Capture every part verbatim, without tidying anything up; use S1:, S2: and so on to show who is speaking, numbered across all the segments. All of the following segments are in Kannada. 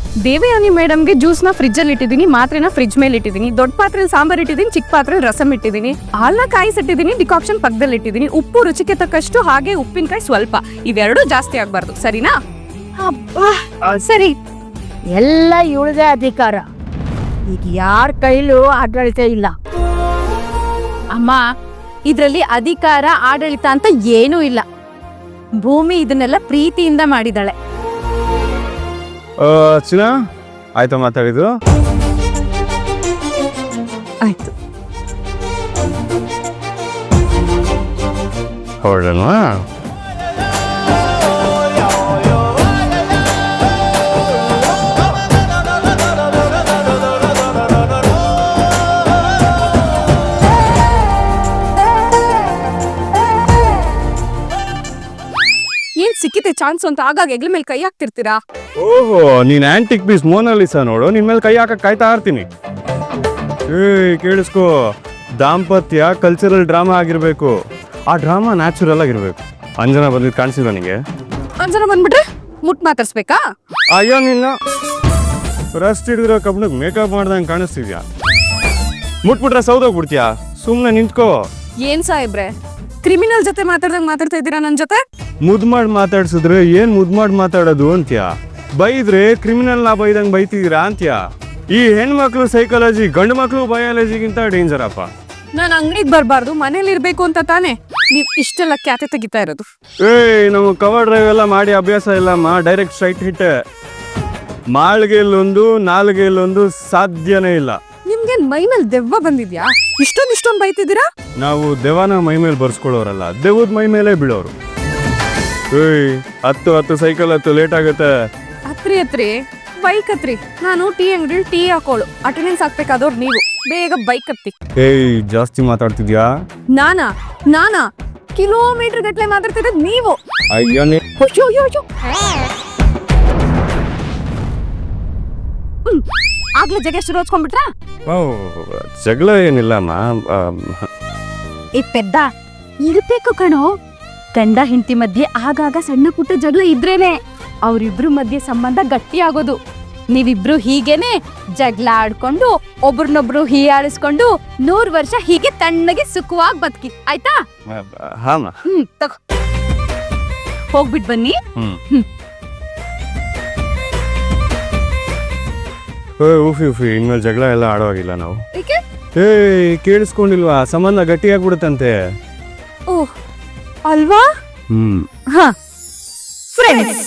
S1: ದೇವಯಾನಿ ಮೇಡಮ್ಗೆ ಜ್ಯೂಸ್ನ ಫ್ರಿಜ್ಜಲ್ಲಿ ಇಟ್ಟಿದ್ದೀನಿ, ಮಾತ್ರೆನ ಫ್ರಿಜ್ ಮೇಲೆ ಇಟ್ಟಿದ್ದೀನಿ, ದೊಡ್ಡ ಪಾತ್ರೆಯಲ್ಲಿ ಸಾಂಬಾರ್ ಇಟ್ಟಿದ್ದೀನಿ, ಚಿಕ್ಕ ಪಾತ್ರೆಯಲ್ಲಿ ರಸಮ್ ಇಟ್ಟಿದ್ದೀನಿ, ಹಾಲನ್ನ ಕಾಯಿಸಿಟ್ಟಿದ್ದೀನಿ, ಡಿಕಾಕ್ಷನ್ ಪಕ್ಕದಲ್ಲಿ ಇಟ್ಟಿದ್ದೀನಿ, ಉಪ್ಪು ರುಚಿಗೆ ತಕ್ಕಷ್ಟು, ಹಾಗೆ ಉಪ್ಪಿನಕಾಯಿ ಸ್ವಲ್ಪ. ಇವೆರಡೂ ಜಾಸ್ತಿ ಆಗ್ಬಾರ್ದು, ಸರಿನಾ?
S2: ಅಬ್ಬಾ,
S1: ಸರಿ.
S2: ಎಲ್ಲ ಇವಳದೇ ಅಧಿಕಾರ. ಈಗ ಯಾರ ಕೈಲೂ ಆಡಳಿತ ಇಲ್ಲ.
S1: ಅಮ್ಮ, ಇದ್ರಲ್ಲಿ ಅಧಿಕಾರ ಆಡಳಿತ ಅಂತ ಏನೂ ಇಲ್ಲ. ಭೂಮಿ ಇದನ್ನೆಲ್ಲ ಪ್ರೀತಿಯಿಂದ ಮಾಡಿದಾಳೆ.
S3: ಚಿನ್ನ ಆಯ್ತಾ ಮಾತಾಡಿದ್ದು?
S1: ಆಯ್ತು.
S3: ಹೊರಡಲ್ವಾ?
S1: ಏನ್ ಸಿಕ್ಕಿದೆ ಚಾನ್ಸ್ ಅಂತ ಆಗಾಗ ಹೆಗ್ಲ ಮೇಲೆ ಕೈ ಹಾಕ್ತಿರ್ತೀರಾ?
S3: ಓಹೋ, ನೀನ್ ಆಂಟಿಕ್ ಪೀಸ್ ಮೋನಾಲಿಸಾ ನೋಡು, ನಿನ್ ಮೇಲೆ ಕೈ ಹಾಕಕ್ ಕಾಯ್ತಾ ಇರ್ತೀನಿ. ಏಯ್ ಕೇಳಿಸ್ಕೋ, ದಾಂಪತ್ಯ ಕಲ್ಚರಲ್ ಡ್ರಾಮಾ ಆಗಿರ್ಬೇಕು. ಆ ಡ್ರಾಮಾ ನ್ಯಾಚುರಲ್ ಆಗಿರ್ಬೇಕು. ಅಂಜನಾ ಬಂದಿದ್ ಕಾಣಿಸಿಲ್ಲ ನಿಂಗೆ?
S1: ಅಂಜನ ಬಂದ್ಬಿಟ್ರೆ ಮುಟ್ ಮಾತಾಡ್ಸ್ಬೇಕಾ?
S3: ಅಯ್ಯೋ, ನಿನ್ನ ರಸ್ಟ್ ಹಿಡಿದಿರೋ ಕಬ್ಬನಿಗೆ ಮೇಕಪ್ ಮಾಡ್ದಂಗೆ ಕಾಣಿಸ್ತಿದ್ಯಾ? ಮುಟ್ಬಿಟ್ರೆ ಸೌದೋಗ್ಬಿಡ್ತೀಯಾ? ಸುಮ್ಮನೆ ನಿಂತ್ಕೋ.
S1: ಏನ್ ಸಾಹೇಬ್ರೆ, ಕ್ರಿಮಿನಲ್ ಜೊತೆ ಮಾತಾಡ್ದಂಗ್ ಮಾತಾಡ್ತಾ ಇದ್ದೀರಾ ನನ್ ಜೊತೆ?
S3: ಮುದ್ ಮಾಡಿ ಮಾತಾಡ್ಸಿದ್ರೆ ಏನ್ ಮುದ್ ಮಾಡಿ ಮಾತಾಡೋದು ಅಂತ್ಯಾ? ಬೈದ್ರೆ ಕ್ರಿಮಿನಲ್ ನಾ ಬೈದಂಗ್ ಬೈತಿದ್ದೀರಾ ಅಂತ್ಯಾ? ಈ ಹೆಣ್ಮಕ್ಳು ಸೈಕಾಲಜಿ ಗಂಡು ಮಕ್ಳು ಬಯಾಲಜಿಗಿಂತ ಡೇಂಜರ್ ಅಪ್ಪ.
S1: ನಾನು ಅಂಗಡಿಗೆ ಬರಬಾರ್ದು, ಮನೇಲಿ ಇರ್ಬೇಕು ಅಂತ ತಾನೇ ನೀವ್ ಇಷ್ಟೆಲ್ಲ ಕ್ಯಾತೆ ತೆಗಿತಾ ಇರೋದು?
S3: ಏಯ್, ನಮಗೆ ಕವರ್ ಡ್ರೈವ್ ಎಲ್ಲ ಮಾಡಿ ಅಭ್ಯಾಸ ಇಲ್ಲಮ್ಮ. Direct straight hit. ಮಾಳ್ಗೆಲ್ಲೊಂದು ನಾಲ್ಗೆಲ್ಲೊಂದು ಸಾಧ್ಯನೇ ಇಲ್ಲ.
S1: ನಿಮ್ಗೇನ್ ಮೈ ಮೇಲೆ ದೆವ್ವ ಬಂದಿದ್ಯಾ? ಇಷ್ಟೊಂದು ಇಷ್ಟೊಂದು ಬೈತಿದ್ದೀರಾ?
S3: ನಾವು ದೆವ್ವನ ಮೈ ಮೇಲೆ ಬರ್ಸ್ಕೊಳ್ಳೋರಲ್ಲ, ದೆವ್ವದ ಮೈ ಮೇಲೆ ಬೀಳೋರು. ಏಯ್, ಹತ್ತು ಹತ್ತು ಸೈಕಲ್ ಹತ್ತು ಲೇಟ್ ಆಗುತ್ತೆ.
S1: ಹತ್ರಿ ಹತ್ರಿ ಬೈಕ್ ಹತ್ರಿ. ನಾನು ಟೀ ಅಂಗಡಿ ಟೀ ಹಾಕೋಳು, ಅಟೆಂಡೆನ್ಸ್ ಹಾಕ್ಬೇಕಾದವ್ರು ನೀವು. ಬೇಗ ಬೈಕ್ ಹತ್ತಿ.
S3: ಏಯ್, ಜಾಸ್ತಿ ಮಾತಾಡ್ತಿದ್ಯಾ?
S1: ನಾನಾ ನಾನಾ ಕಿಲೋಮೀಟರ್ ಗಟ್ಲೆ ಮಾತಾಡ್ತಿದ್ದ ನೀವು.
S3: ಅಯ್ಯೋ, ನೀ-
S1: ಅಯ್ಯೋ ಅಯ್ಯೋ ಅಯ್ಯೋ. ಹ್ಮ್. ಆಗ್ಲೇ ಜಗ ಶುರು ಹಚ್ಕೊಂಡ್ಬಿಟ್ರಾ?
S3: ಓ, ಜಗಳ ಏನಿಲ್ಲಮ್ಮ.
S1: ಈ ಪೆದ್ದ ಇರ್ಬೇಕು ಕಣೋ. ಗಂಡ ಹೆಂಡತಿ ಮಧ್ಯೆ ಆಗಾಗ ಸಣ್ಣ ಪುಟ್ಟ ಜಗಳ ಇದ್ರೇನೆ ಅವ್ರಿಬ್ರು ಮಧ್ಯೆ ಸಂಬಂಧ ಗಟ್ಟಿ ಆಗೋದು. ನೀವಿಬ್ರು ಹೀಗೇನೆ ಜಗಳ ಆಡ್ಕೊಂಡು ಒಬ್ರನ್ನೊಬ್ರು ಹೀಯಾಳಿಸ್ಕೊಂಡು ನೂರ್ ವರ್ಷ ಹೀಗೆ ತಣ್ಣಗೆ ಸುಖವಾಗಿ ಬದುಕಿ, ಆಯ್ತಾ?
S3: ಹಾಮ.
S1: ಹ್ಮ್ ತಗೋ, ಹೋಗ್ಬಿಟ್ ಬನ್ನಿ.
S3: ಹ್ಮ್.
S1: ಹ್ಮ್.
S3: ಉಫಿ ಉಫಿ ಇನ್ಮೇಲೆ ಜಗಳ ಎಲ್ಲ ಆಡೋವಾಗಿಲ್ಲ ನಾವು.
S1: ಏಕೆ?
S3: ಏಯ್, ಕೇಳಿಸ್ಕೊಂಡಿಲ್ವಾ? ಸಂಬಂಧ ಗಟ್ಟಿಯಾಗ್ಬಿಡುತ್ತಂತೆ.
S1: ಓಹ್, ಅಲ್ವಾ?
S3: ಹ್ಮ್.
S1: ಹಾ, ಫ್ರೆಂಡ್ಸ್.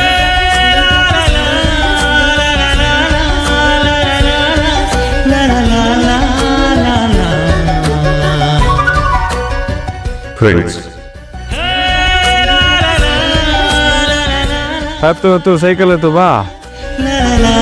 S3: ಫ್ರೆಂಡ್ಸ್ ಹತ್ತು ಹತ್ತು ಸೈಕಲ್ ಹತ್ತು ಬಾ.